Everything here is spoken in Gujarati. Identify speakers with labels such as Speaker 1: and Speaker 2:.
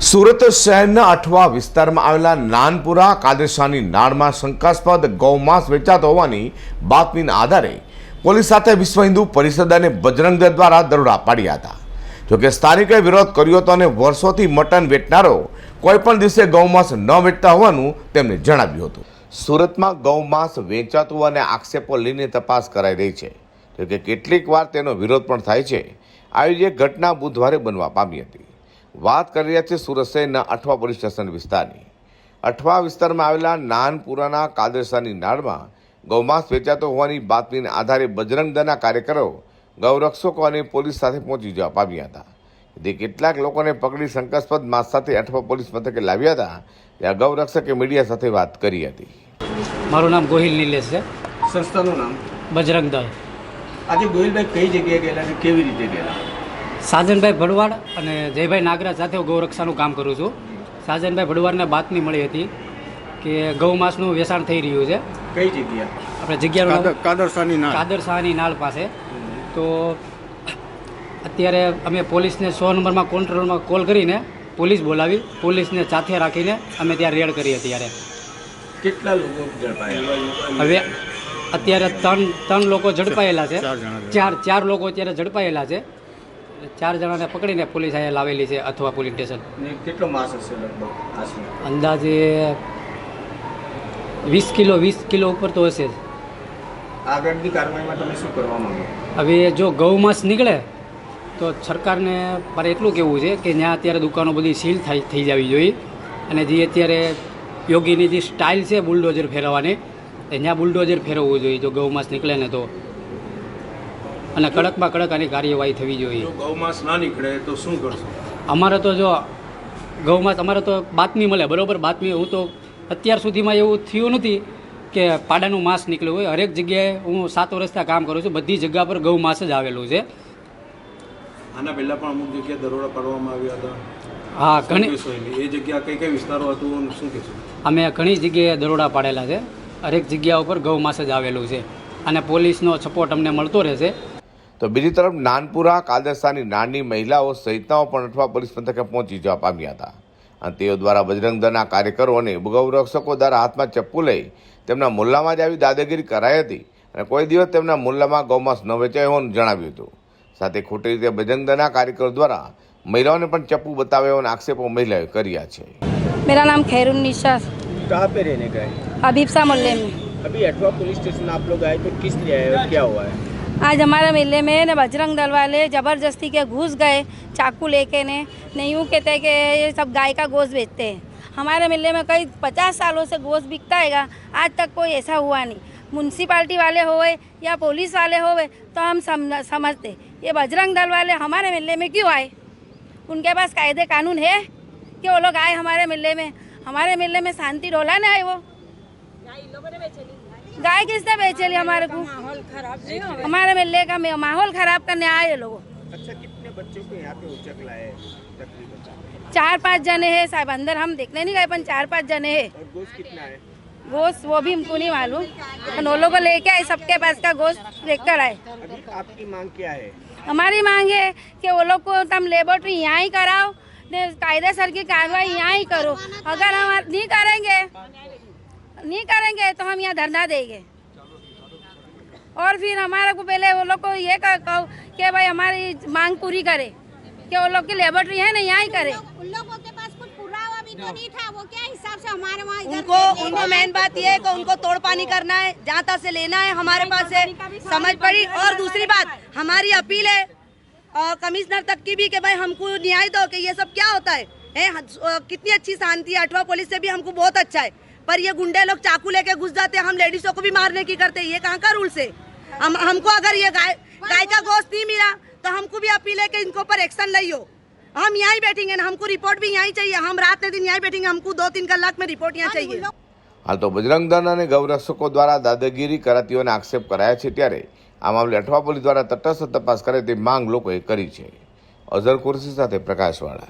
Speaker 1: સુરત શહેરના અઠવા વિસ્તારમાં આવેલા નાનપુરા કાદેશાની નાળમાં શંકાસ્પદ ગૌમાંસ વેચાતો હોવાની બાતમીના આધારે પોલીસ સાથે વિશ્વ હિન્દુ પરિષદ અને બજરંગ દળ દ્વારા દરોડા પાડ્યા હતા. જોકે સ્થાનિકોએ વિરોધ કર્યો હતો અને વર્ષોથી મટન વેચનારો કોઈપણ દિવસે ગૌમાંસ ન વેચતા હોવાનું તેમણે જણાવ્યું હતું. સુરતમાં ગૌમાંસ વેચાતું અને આક્ષેપો લઈને તપાસ કરાઈ રહી છે. જોકે કેટલીક વાર તેનો વિરોધ પણ થાય છે. આવી એક ઘટના બુધવારે બનવા પામી હતી. વાત કરી રહ્યા છે સુરત શહેરના અઠવા પોલીસ સ્ટેશન વિસ્તારની. અઠવા વિસ્તારમાં આવેલા નાનપુરાના કાદરસાની નાળમાં ગૌમાંસ વેચાતો હોવાની બાતમીના આધારે બજરંગ દળના કાર્યકરો ગૌરક્ષકો અને પોલીસ સાથે પહોંચી જવા પામ્યા હતા. જે કેટલાક લોકોને પકડી શંકાસ્પદ માંસ સાથે અઠવા પોલીસ મથકે લાવ્યા હતા. ત્યાં ગૌરક્ષકે મીડિયા સાથે વાત કરી હતી.
Speaker 2: મારું નામ ગોહિલ નિલેશ છે.
Speaker 3: સંસ્થાનું નામ
Speaker 2: બજરંગ દળ.
Speaker 3: આજે ગોહિલભાઈ કઈ જગ્યાએ ગયેલા અને કેવી રીતે ગયેલા?
Speaker 2: સાજનભાઈ ભડવાડ અને જયભાઈ નાગરાજ સાથે હું ગૌરક્ષાનું કામ કરું છું. સાજનભાઈ ભડવાડને બાતમી મળી હતી કે ગૌમાંસનું વેચાણ થઈ રહ્યું છે.
Speaker 3: કઈ જગ્યા?
Speaker 2: આપણે જગ્યાનું
Speaker 3: કાદરસાની
Speaker 2: નાળ પાસે. તો અત્યારે અમે પોલીસને 100 નંબરમાં કંટ્રોલમાં કોલ કરીને પોલીસ બોલાવી, પોલીસને સાથે રાખીને અમે ત્યાં રેડ કરી. અત્યારે
Speaker 3: કેટલા લોકો ઝડપાયા?
Speaker 2: હવે અત્યારે ત્રણ લોકો ઝડપાયેલા છે. ચાર લોકો અત્યારે ઝડપાયેલા છે. 4 જણાને પકડીને પોલીસ અહીંયા લાવેલી છે અથવા પોલીસ સ્ટેશન.
Speaker 3: કેટલો માસ હશે લગભગ આશરે?
Speaker 2: અંદાજે 20 કિલો ઉપર તો હશે જ.
Speaker 3: આગળની કાર્યવાહીમાં તમે શું કરવા માંગો?
Speaker 2: હવે જો ગૌમાંસ નીકળે તો સરકારને મારે એટલું કહેવું છે કે ત્યાં અત્યારે દુકાનો બધી સીલ થઈ જવી જોઈએ. અને જે અત્યારે યોગીની જે સ્ટાઇલ છે બુલડોઝર ફેરવવાની, એ ત્યાં બુલડોઝર ફેરવવું જોઈએ જો ગૌમાંસ નીકળે ને તો. અને કડકમાં કડક આની કાર્યવાહી થવી જોઈએ.
Speaker 3: ગૌમાંસ ના નીકળે તો શું કરશો?
Speaker 2: અમારે તો જો ગૌમાંસ અમારે તો બાતમી મળે, બરાબર બાતમી. હું તો અત્યાર સુધીમાં એવું થયું નથી કે પાડાનું માંસ નીકળ્યું હોય. હરેક જગ્યાએ હું 7 વર્ષથી કામ કરું છું, બધી જગ્યા પર ગૌમાંસ જ આવેલું છે.
Speaker 4: આના પહેલાં પણ અમુક જગ્યાએ દરોડા પાડવામાં આવ્યા હતા.
Speaker 2: હા, ઘણી
Speaker 4: એ જગ્યા કઈ વિસ્તારો હતું શું કહેશું?
Speaker 2: અમે ઘણી જગ્યાએ દરોડા પાડેલા છે. હરેક જગ્યા ઉપર ગૌમાંસ જ આવેલું છે અને પોલીસનો સપોર્ટ અમને મળતો રહેશે.
Speaker 1: તો બીજી તરફ નાનપુરા કાદરસાની નાની મહિલાઓ સહિતનાઓ પણ અઠવા પોલીસ મથકે પહોંચી જવા પામ્યા હતા. અને તેઓ દ્વારા બજરંગ દળના કાર્યકરો અને ગૌરક્ષકો દ્વારા હાથમાં ચપ્પુ લઈ તેમના મુલ્લામાં જ આવી દાદાગીરી કરાઈ હતી અને કોઈ દિવસ તેમના મુલ્લામાં ગૌમાંસ ન વેચાય હોવાનું જણાવ્યું હતું. સાથે ખોટી રીતે બજરંગ દળના કાર્યકરો દ્વારા મહિલાઓને પણ ચપ્પુ બતાવ્યા હોવાના આક્ષેપો મહિલાઓએ કર્યા છે.
Speaker 5: मेरा नाम खैरुन्निसा,
Speaker 3: कहाँ पे रहने गए?
Speaker 5: हबीबसा मोहल्ले में.
Speaker 3: अभी अठवा पुलिस स्टेशन आप लोग आए तो किस लिए आए और क्या हुआ है?
Speaker 5: आज हमारे मेले में न बजरंग दल वाले ज़बरदस्ती के घुस गए चाकू लेके ने यूँ कहते हैं कि ये सब गाय का गोश्त बेचते हैं. हमारे मेले में कई 50 सालों से गोश्त बिकता है. आज तक कोई ऐसा हुआ नहीं. म्यूनसिपाल्टी वाले होए या पुलिस वाले होए तो हम समझते. ये बजरंग दल वाले हमारे मेले में क्यों आए? उनके पास कायदे कानून है कि वो लोग आए हमारे मेले में? हमारे मेले में शांति डोला ना आए. वो गाय किसने बेचेली? हमारे को हमारे मेले का माहौल खराब करने आए लोग.
Speaker 3: अच्छा, कितने बच्चों को यहाँ पे उचक लाए तकरीबन?
Speaker 5: 4-5 जने हैं साहब. अंदर हम देखने नहीं गए, पर 4-5 जने हैं.
Speaker 3: और गोश्त कितना है?
Speaker 5: गोश्त वो भी हमको नहीं मालूम. वो लोग को लेके आए, सबके पास का गोश्त लेकर आए.
Speaker 3: अभी आपकी मांग क्या है?
Speaker 5: हमारी मांग है कि वो लोग को तुम लेबोरेटरी यहाँ ही कराओ, कायदेसर की कार्रवाई यहाँ ही करो. अगर हम नहीं करेंगे तो हम यहाँ धरना देंगे. और फिर हमारे को पहले वो लोग को ये कहो कि भाई हमारी मांग पूरी करे कि वो लोग की लेबोरेटरी है ना यहाँ ही करे.
Speaker 6: उन लोगों के पास कुछ पुरावा भी तो नहीं था. वो क्या हिसाब से हमारे वहाँ
Speaker 7: उनको मेन बात ये है कि उनको तोड़ पानी करना है, जहाँ तक से लेना है हमारे पास से समझ पड़ी. और दूसरी बात हमारी अपील है कमिश्नर तक की भी कि भाई हमको न्याय दो कि ये सब क्या होता है. कितनी अच्छी शांति है. अठवा पुलिस से भी हमको बहुत अच्छा है, पर ये गुंडे लोग चाकू लेके घुस जाते हैं. हम लेडीजों को भी मारने की करते हैं. ये कहाँ का रूल्स है? हमको अगर ये गाय का गोश्त नहीं मिला तो हमको भी अपील है कि इनके ऊपर एक्शन लियो. हम यहाँ ही बैठेंगे ना, हमको रिपोर्ट भी यहाँ ही चाहिए. हम रात ने दिन यहाँ ही बैठेंगे. हमको 2-3 कलाक में रिपोर्ट यहाँ चाहिए.
Speaker 1: હાલ તો બજરંગ દળ અને ગૌરક્ષકો દ્વારા દાદાગીરી કરાતી હોવાના આક્ષેપ કરાયા છે. ત્યારે આ મામલે અઠવા પોલીસ દ્વારા તટસ્થ તપાસ કરે તે માંગ લોકોએ કરી છે. અઝર કુરશી સાથે પ્રકાશવાળા.